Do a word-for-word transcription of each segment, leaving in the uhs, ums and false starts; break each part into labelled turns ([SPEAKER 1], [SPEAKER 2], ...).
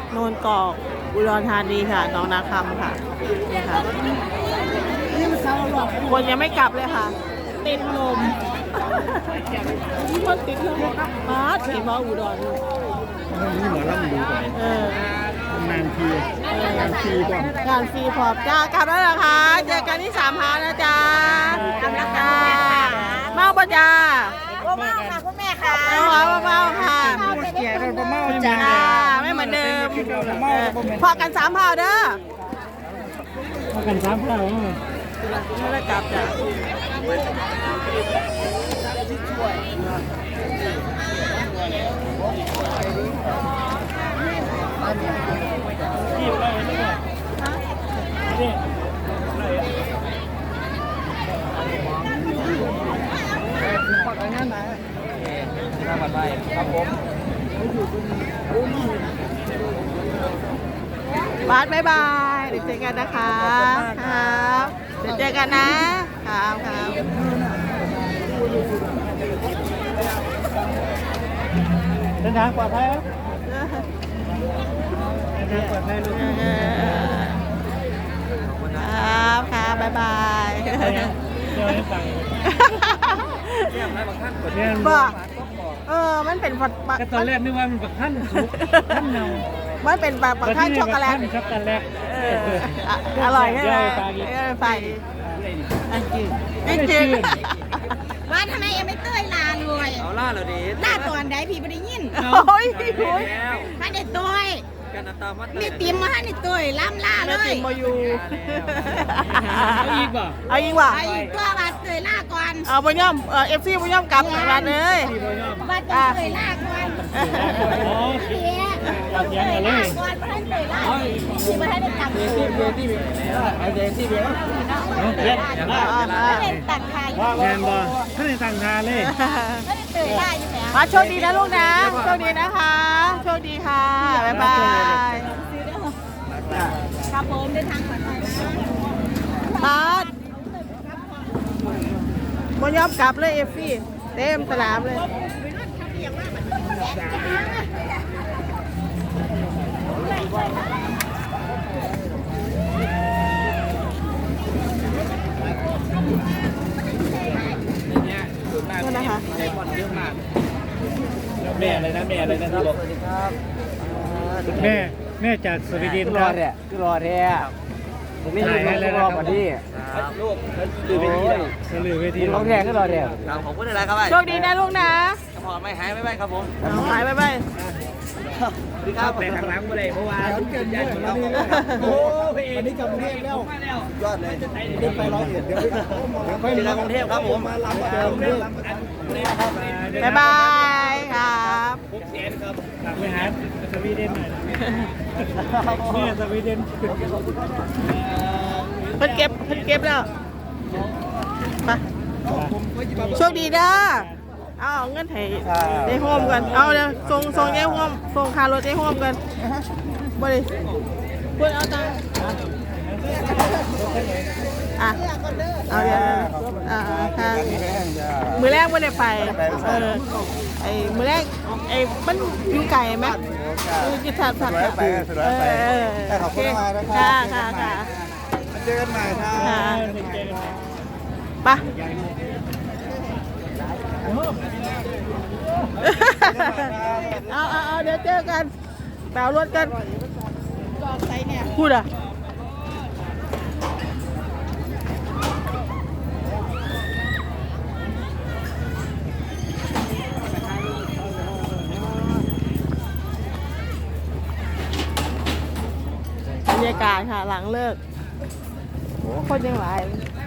[SPEAKER 1] โนนกอกอุดรธานีค่ะหนองนาคำค่ะนี่ค่ะคนยังไม่กลับเลยค่ะติดลมคนติดลมมาถีบมาอุดรเลย
[SPEAKER 2] นี่หมอลำดูไป
[SPEAKER 1] เออน
[SPEAKER 2] านทีงานทีก่อน
[SPEAKER 1] งานฟรีพร้อมจ้ากลับแล้วเหรอคะเจอกันที่สามพานะจ๊ะกลับแล้วค่ะเมาปะจ้า
[SPEAKER 3] ก็เมาค่ะคุณแม่ค่ะ
[SPEAKER 1] เมาเมาค่ะ
[SPEAKER 2] เกียร์เราเมาจ้า
[SPEAKER 1] จ้าไม่เหมือนเดิมเออพอกันสามพาเด้อ
[SPEAKER 2] มากันสามข้าว
[SPEAKER 1] ไม่ได้กลับจ้ะบาสบายบายเดี๋ยวเจอกันนะคะครับเดี๋ยวเจอกันนะครับครับ
[SPEAKER 2] เดินทางปลอดภัยครับเดินทางปลอดภัยลูก
[SPEAKER 1] ครับครับบายบาย
[SPEAKER 2] เดี๋ยวให้ฟังเนี่ย
[SPEAKER 1] บอกเออมันเป็นผัด
[SPEAKER 2] ก็ตอนแรกนึกว่ามันปักขั้นสุกขั้นเนา
[SPEAKER 1] มันเป็นแบบปักข้าวช็อกโกแลต
[SPEAKER 2] ช็อกโกแลต
[SPEAKER 1] เอออร่อยใช่ไหมเออไปอันจืดอันจืด
[SPEAKER 3] ว่าทำไมยังไม่เต้ยลาเลย
[SPEAKER 4] เอาล่าเราดี
[SPEAKER 3] ลาตอนใดพี่ไม่ได้ยิน
[SPEAKER 1] โอ้ยโอ้ย
[SPEAKER 4] แล้ว
[SPEAKER 3] ไม่ได้เต้ย
[SPEAKER 4] กันตามมา
[SPEAKER 3] มีติมมาให้ในเต้ยล่ำลาเล
[SPEAKER 1] แล้ว
[SPEAKER 3] ย
[SPEAKER 1] ติมมาอยู่
[SPEAKER 2] เอาอีกบ่
[SPEAKER 1] เอายิงว่ะ
[SPEAKER 3] ไอ้ตัวว่าเต้ยลาก่อน
[SPEAKER 1] เอาบุญย่อมเออฟซีบุญย่อมกลับร้านเลย
[SPEAKER 2] ที่บ่ยอม
[SPEAKER 3] ว่าจะเต้ยลาก่อน
[SPEAKER 2] อ๋อ
[SPEAKER 3] เสีย
[SPEAKER 2] ตัดยังกันเลย
[SPEAKER 3] ก่อนไม่ให้เต้ยลาที่ไม่ให้ได้ตังค์
[SPEAKER 4] ที่เบียร์ที่เบียร์ไอเดนที่เบียร์
[SPEAKER 2] เย็น
[SPEAKER 3] ไม่ได้ตังค์ใคร
[SPEAKER 2] แมนบ่ท่านในต่างทาเลย
[SPEAKER 3] ไม่ได้เต้ยลาอยู่ไหน
[SPEAKER 1] มาโชคดีนะลูกนะโชคดีนะคะโชคดีค่ะบ๊ายบาย
[SPEAKER 3] ครับผมเดินทางปลอดภัยนะ
[SPEAKER 1] บาสบุญย่อมกลับเลยเอฟซีเต็มสนามเลยนี่นะคะ
[SPEAKER 4] ในบอลเยอะมาก
[SPEAKER 2] แม่อะไรนะแม่อะไรนะที่บอก
[SPEAKER 4] สวัสดีครับ
[SPEAKER 2] แม่แม่จากสวีเดน
[SPEAKER 4] ร
[SPEAKER 2] ค
[SPEAKER 4] อ
[SPEAKER 2] รับ
[SPEAKER 4] แท้คือรอแท้ผมไม่ยืนรอบกว่านี้ลูกคือเป็นที่
[SPEAKER 2] สลือเวที
[SPEAKER 4] ของแท้คือรอแท้ครับผมพูดอะไรครับ
[SPEAKER 1] โชคดีนะลูกนะ
[SPEAKER 4] พอไม่หายไม่ไปครับผม
[SPEAKER 1] เอาหายไปไป
[SPEAKER 4] สวัสดีครับไปทางหลังไปเลยเพราะว่าเกินยันเราโอ้พี่วันนี้กลับกรุงเทพแล้วยอดเลยเดินไปร้อยเอ็ดเดี๋ยวไปเจอกันกรุงเทพครับผมมาลำเจอกรุงเทพ
[SPEAKER 1] บ๊ายบายครับ
[SPEAKER 2] กลับไปหาสวีเดนหน่อยแม่สวีเดน
[SPEAKER 1] เพิ่นเก็บเพิ่นเก็บแล้วไปโชคดีเด้อเอาเงินให้ได้โฮมกันเอาเดี๋ยวส่งส่งได้โฮมส่งคารถได้โฮมกันบ่ได้พูดเอาตังค์อ่ะเอาเดี๋ยวอ่าค่ะมือแรกไม่ได้ไปเออไอ้มือแรกไอ้มันอยู่ไก่ไหมอยู่ที่ถัดถัดถัดเออขอบคุณมากนะครับค่ะค่ะค่ะ
[SPEAKER 4] เจอกันใหม่ครับ
[SPEAKER 1] ค่ะไปเอาเอาเอาเดี๋ยวเจอกันแปลรถกันพูดอ่ะบรรยากาศค่ะหลังเลิกโอ้คนยังหลาย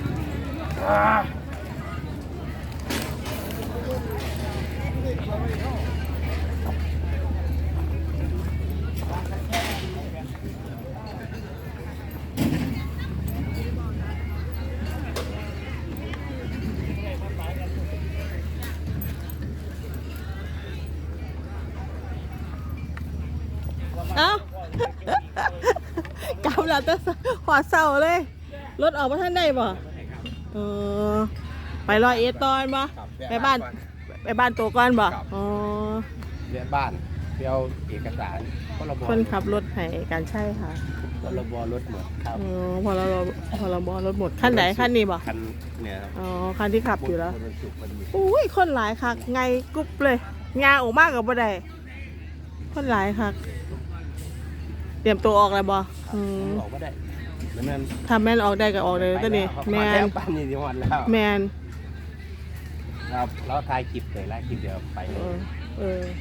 [SPEAKER 1] เอ้ากำลังจะหัวเสาเลย รถออกมาท่านได้บ่เออไปรอยเอตอนบ่ไปบ้านไปบ้านตัวก่อนบ่อ๋อ
[SPEAKER 4] เรียนบ้านเที่ยวเอกสาร
[SPEAKER 1] อคนขับรถให้การใช่ค่ะ
[SPEAKER 4] พรบรถหมดครับ
[SPEAKER 1] อ๋อพอเราพอเราบอรถหมดขั้นไหนขั้นนี้บ่
[SPEAKER 4] คันเนี่ย
[SPEAKER 1] อ๋อคันที่ขับอยู่แล้ว
[SPEAKER 4] วันศุกร์วันนี้
[SPEAKER 1] อุ้ยคนหลายคักไงกรุ๊บเลยงาออกมากกับบ่ได้คนหลายคักเตรียมตัวออกแล้วบ่อืม
[SPEAKER 4] ออกก็ได้แล้วนั่น
[SPEAKER 1] ทำแม่นออกได้ก็ออกเลยตัวนี้แม
[SPEAKER 4] มาน แล้วปั้นนี่ที่วันแล้ว
[SPEAKER 1] แมน
[SPEAKER 4] ครับแล้วทายคลิปเลยไล่คลิปเดียวไป
[SPEAKER 1] เออเออ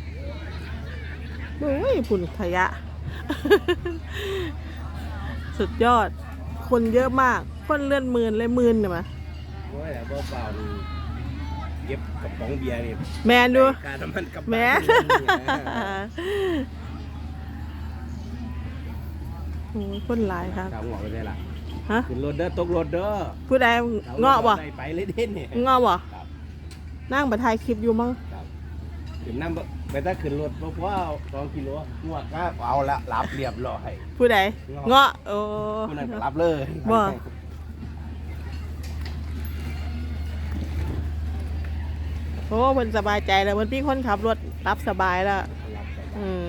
[SPEAKER 1] โอ้ยฝุ่นขยะ สุดยอด คนเยอะมาก คนเลื่อนหมื่นเลยหมื่นเนี่ยมา
[SPEAKER 4] โอ้ยแต่เปล่าๆนี่เก็บกระป๋องเบียร์นี่
[SPEAKER 1] แมนดู
[SPEAKER 4] การน้ำมันกับ
[SPEAKER 1] แมน โอ้ยคนหลายครับ
[SPEAKER 4] ถามหัวไปได้ละ
[SPEAKER 1] ฮะ
[SPEAKER 4] ขึ้นรถเด้อตกรถเด้อ
[SPEAKER 1] ผู้ใดเงาะบ่
[SPEAKER 4] ไปเลยเด่นนี่
[SPEAKER 1] เงาะบ่
[SPEAKER 4] ครับ
[SPEAKER 1] นั่งบัถ่ายคลิปอยู่มั้ง
[SPEAKER 4] ครับขึ้นน้ำไปถ้าขึ้นรถเพราะว่าสองกิโลงวดก็เอาละรับเรียบร้อย
[SPEAKER 1] ผู้ใดเงาะโอ้
[SPEAKER 4] คนนั้นก็รับเลย
[SPEAKER 1] บ่ โอ้มันสบายใจแล้วมันพี่คนขับรถรับสบายแล้ว
[SPEAKER 4] รับไป
[SPEAKER 1] อืม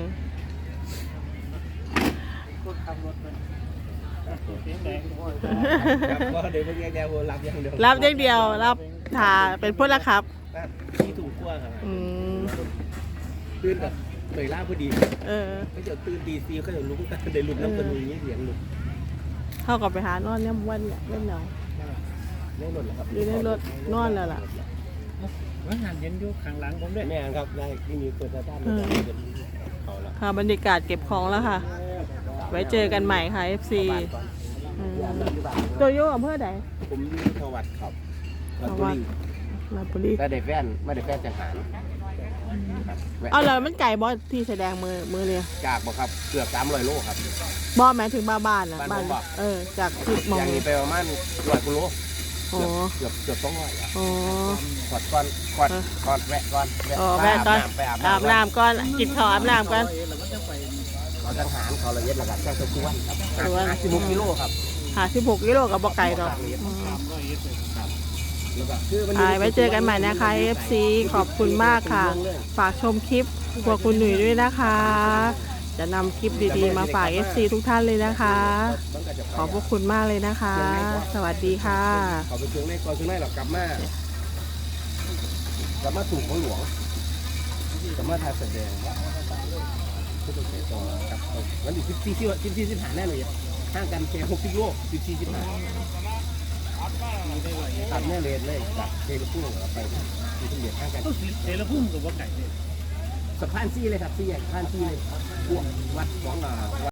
[SPEAKER 2] คนขับรถมันเสียงแดง
[SPEAKER 4] ครับก็เดี๋ยวเพิ่งแยกๆรับอย่างเดียว
[SPEAKER 1] รับอย่างเดียวรับถ่าเป็นพลขับ
[SPEAKER 4] ที่ถูกขั้วครับ
[SPEAKER 1] อืม
[SPEAKER 4] ตื่นแบบเตยล่าพอดี
[SPEAKER 1] เออ
[SPEAKER 4] ไม่เดี๋ยวตื่นตีซีเขาจะลุกได้ลุกน้ำกันลุยเสียงลุก
[SPEAKER 1] เข้ากับไปหานอนเนี่ยวันเนี่ยเล่นเนา
[SPEAKER 4] ไม่หล่นแล้วครับ
[SPEAKER 1] อยู่ในรถนอนแล้วล่ะ
[SPEAKER 2] ว่าหันเย็นอยู่ข้างหลังผมด้วย
[SPEAKER 4] แม่ครับได้ที่มีเปิดสถานเขาละ
[SPEAKER 1] ค่ะบรรยากาศเก็บของแล้วค่ะ ไว้เจอกันใหม่ค่ะ เอฟ ซี อืมโตโย่อำเภอใด
[SPEAKER 4] ผมทวัดครับลาบุรี
[SPEAKER 1] ลาดบุรี
[SPEAKER 4] แต่ได้แฟนไม่ได้แฟนจังหาร
[SPEAKER 1] เอาแล้วมันไก่บอสที่แสดงมือมือเนี่ย
[SPEAKER 4] จากบ่ครับเกือบสามร้อยโลครับ
[SPEAKER 1] บอสหมายถึงบ้านบ้านนะ
[SPEAKER 4] บ้านผมบอก
[SPEAKER 1] เออ จากที่มอง
[SPEAKER 4] อย่างนี้ไปประมาณร้อยกิโล
[SPEAKER 1] อ๋อ
[SPEAKER 4] เกือบเกือบสองร้อยอ่ะ
[SPEAKER 1] อ๋อ
[SPEAKER 4] กอดก่อนกอดกอดแวะก่อน
[SPEAKER 1] อ๋อแม่ก่อน
[SPEAKER 4] ไปอาบ
[SPEAKER 1] อาบ
[SPEAKER 4] น้ำ
[SPEAKER 1] น้ำก่อนกินข้าวอาบน้ำก่อน
[SPEAKER 4] เขาจังหารเขาละเอียดระดับแจ้งตะกวนครับ
[SPEAKER 1] ตะกวน
[SPEAKER 4] ห้าสิบหกกิโลครับ
[SPEAKER 1] หาสิบหกกิโลกับบอกไก่ดอกอืม
[SPEAKER 4] แล้วก็คือมัน
[SPEAKER 1] อ่าไว้เจอกันใหม่นะคะ เอฟ ซี ขอบคุณมากค่ะ ฝากชมคลิปครัวคุณหนุ่ยด้วยนะคะ จะนำคลิปดีๆ มาฝาก เอฟ ซี ทุกท่านเลยนะคะ ขอบพระคุณมากเลยนะคะ สวัสดีค่ะ
[SPEAKER 4] เขาไปเชียงในก่อนเชียงในหรอกกลับมากลับมาถูกของหลวงกลับมาถ่ายแสดงผู้ต้องเสียต่อครับวันที่สิบสี่สิบสิบสี่สิบห้าแน่เลยห่างกันแค่หกสิบโลสิบสี่สิบห้าตัดแน่เลยเลยจากเทลพุ่งไปที่ทุ่งเดียดห่างกัน
[SPEAKER 2] เทเลพุ่มกับว่าไก่เนี่ย
[SPEAKER 4] สะพานซี่เลยครับซี่ใหญ่สะพานซี่เลยพวกวัดของอ่า